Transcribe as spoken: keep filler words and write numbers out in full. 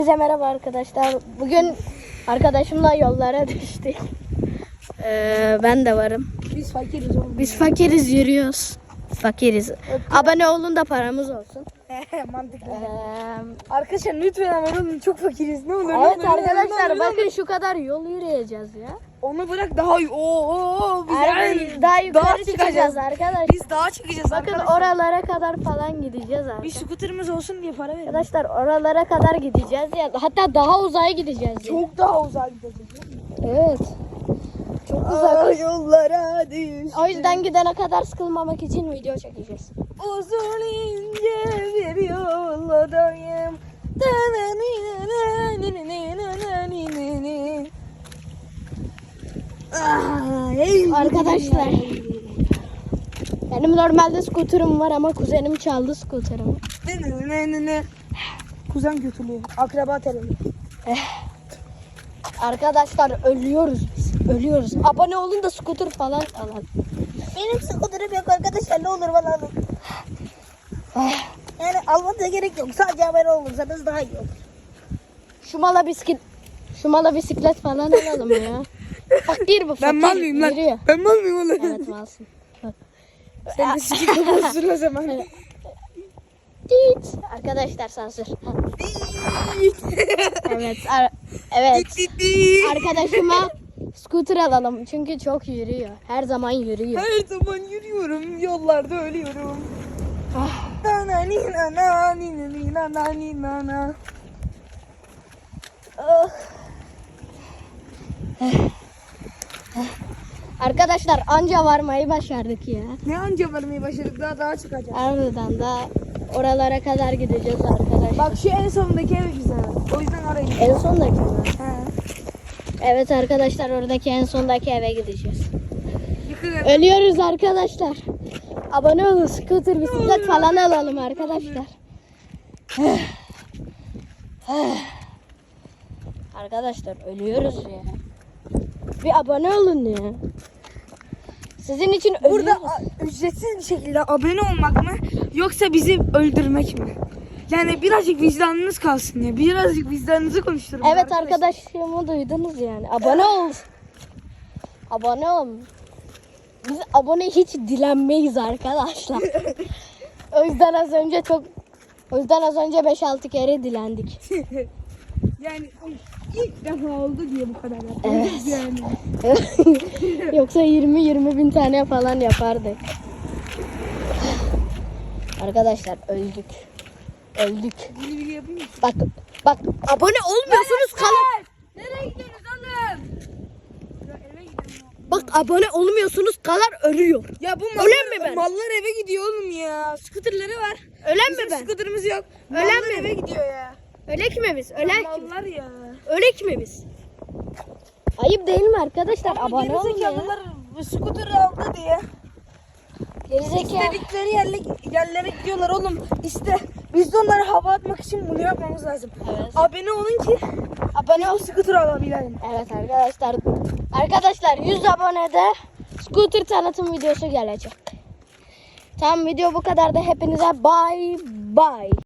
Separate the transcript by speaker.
Speaker 1: Herkese merhaba arkadaşlar. Bugün arkadaşımla yollara düştük. Ee, ben de varım.
Speaker 2: Biz fakiriz oğlum.
Speaker 1: Biz fakiriz, yürüyoruz. Fakiriz. Abone olun da paramız olsun.
Speaker 2: Mantıklı.
Speaker 1: Ee,
Speaker 2: Arkadaşlar lütfen ama oğlum çok fakiriz. Ne olur.
Speaker 1: evet
Speaker 2: lütfen,
Speaker 1: arkadaşlar
Speaker 2: lütfen,
Speaker 1: bakın şu kadar yol yürüyeceğiz ya.
Speaker 2: Onu bırak daha oo oo biz
Speaker 1: Harbi daha yukarı
Speaker 2: dağa
Speaker 1: çıkacağız
Speaker 2: çıkacağız.
Speaker 1: arkadaşlar.
Speaker 2: Biz dağa çıkacağız
Speaker 1: Bakın
Speaker 2: arkadaşlar.
Speaker 1: oralara kadar falan gideceğiz
Speaker 2: Bir
Speaker 1: arkadaşlar.
Speaker 2: skuterimiz olsun diye para verin.
Speaker 1: Arkadaşlar oralara kadar gideceğiz ya. Hatta daha uzağa gideceğiz ya.
Speaker 2: Çok daha uzağa gideceğiz.
Speaker 1: Evet. Çok uzak.
Speaker 2: Yollara düş.
Speaker 1: O yüzden gidene kadar sıkılmamak için video çekeceğiz.
Speaker 2: Uzun ince bir yoldayım. Ah, ey
Speaker 1: Arkadaşlar, benim normalde skuterim var ama kuzenim çaldı skuterimi.
Speaker 2: Kuzen kötülüğü. Akraba terörü.
Speaker 1: Arkadaşlar ölüyoruz biz. Ölüyoruz. Abone olun da skuter falan alalım.
Speaker 2: Benim skuterim yok arkadaşlar, ne olur bana alın. Yani almanıza gerek yok. Sadece abone olursanız daha iyi olur.
Speaker 1: Şu mala bisiklet şu mala bisiklet falan alalım ya. Fakir bu fakir.
Speaker 2: Ben mal mıyım lan?
Speaker 1: Yürüyor.
Speaker 2: Ben mal mıyım oğlum?
Speaker 1: Evet malsın.
Speaker 2: Sen de sikikle bozsun o zaman.
Speaker 1: Dit. Arkadaşlar sansür. Evet. ar- evet. Arkadaşıma skuter alalım çünkü çok yürüyor. Her zaman yürüyor.
Speaker 2: Her zaman yürüyorum, yollarda ölüyorum.
Speaker 1: Ah.
Speaker 2: Na ni na na ni ni na na ni na na. Ah.
Speaker 1: Arkadaşlar anca varmayı başardık ya.
Speaker 2: Ne anca varmayı başardık, daha daha çıkacağız.
Speaker 1: Ardından da oralara kadar gideceğiz arkadaşlar.
Speaker 2: Bak şu en sondaki ev güzel. O yüzden oraya gidelim.
Speaker 1: En sondaki mi?
Speaker 2: He.
Speaker 1: Evet arkadaşlar oradaki en sondaki eve gideceğiz.
Speaker 2: Yıkılın.
Speaker 1: Ölüyoruz arkadaşlar. Abone olun, scooter, bisiklet falan alalım arkadaşlar. Arkadaşlar ölüyoruz ya. Bir abone olun ya. Sizin için
Speaker 2: Burada
Speaker 1: ölüyoruz.
Speaker 2: a- ücretsiz bir şekilde abone olmak mı yoksa bizi öldürmek mi? Yani birazcık vicdanınız kalsın ya. Birazcık vicdanınızı konuşturun.
Speaker 1: Evet arkadaşımı duydunuz yani. Abone ol. Abone ol. Biz abone hiç dilenmeyiz arkadaşlar. O yüzden az önce çok o yüzden az önce beş altı kere dilendik.
Speaker 2: Yani ilk defa oldu diye bu kadar yaptık.
Speaker 1: Evet.
Speaker 2: Yani.
Speaker 1: Yoksa yirmi yirmi bin tane falan yapardık. Arkadaşlar öldük. Öldük.
Speaker 2: Bili bili yapayım mı?
Speaker 1: Bak bak abone olmuyorsunuz kalın.
Speaker 2: Nereye gidiyorsunuz oğlum? Ya eve gidelim.
Speaker 1: Bak abone olmuyorsunuz kalar ölüyor.
Speaker 2: Ya bu
Speaker 1: Ölen mi ben?
Speaker 2: mallar eve gidiyor oğlum ya. Scooterları var.
Speaker 1: Ölen
Speaker 2: Bizim
Speaker 1: mi ben?
Speaker 2: scooterımız yok.
Speaker 1: Ölen
Speaker 2: Mallar
Speaker 1: mi
Speaker 2: eve
Speaker 1: ben?
Speaker 2: gidiyor ya.
Speaker 1: Ölek mi biz? Ölek mi?
Speaker 2: Mallar ya.
Speaker 1: Ölek mi biz? Ayıp değil mi arkadaşlar?
Speaker 2: Ama
Speaker 1: Abone olun ya.
Speaker 2: gerizekalılar bu scooter'ı aldı diye.
Speaker 1: Gerizekalı.
Speaker 2: İstedikleri yerle, yerlere gidiyorlar oğlum. İşte biz de onları hava atmak için bunu yapmamız lazım.
Speaker 1: Evet.
Speaker 2: Abone olun ki
Speaker 1: Abone ol.
Speaker 2: bu scooter alabilelim.
Speaker 1: Evet arkadaşlar. Arkadaşlar yüz abonede scooter tanıtım videosu gelecek. Tamam video bu kadar da hepinize bye bye.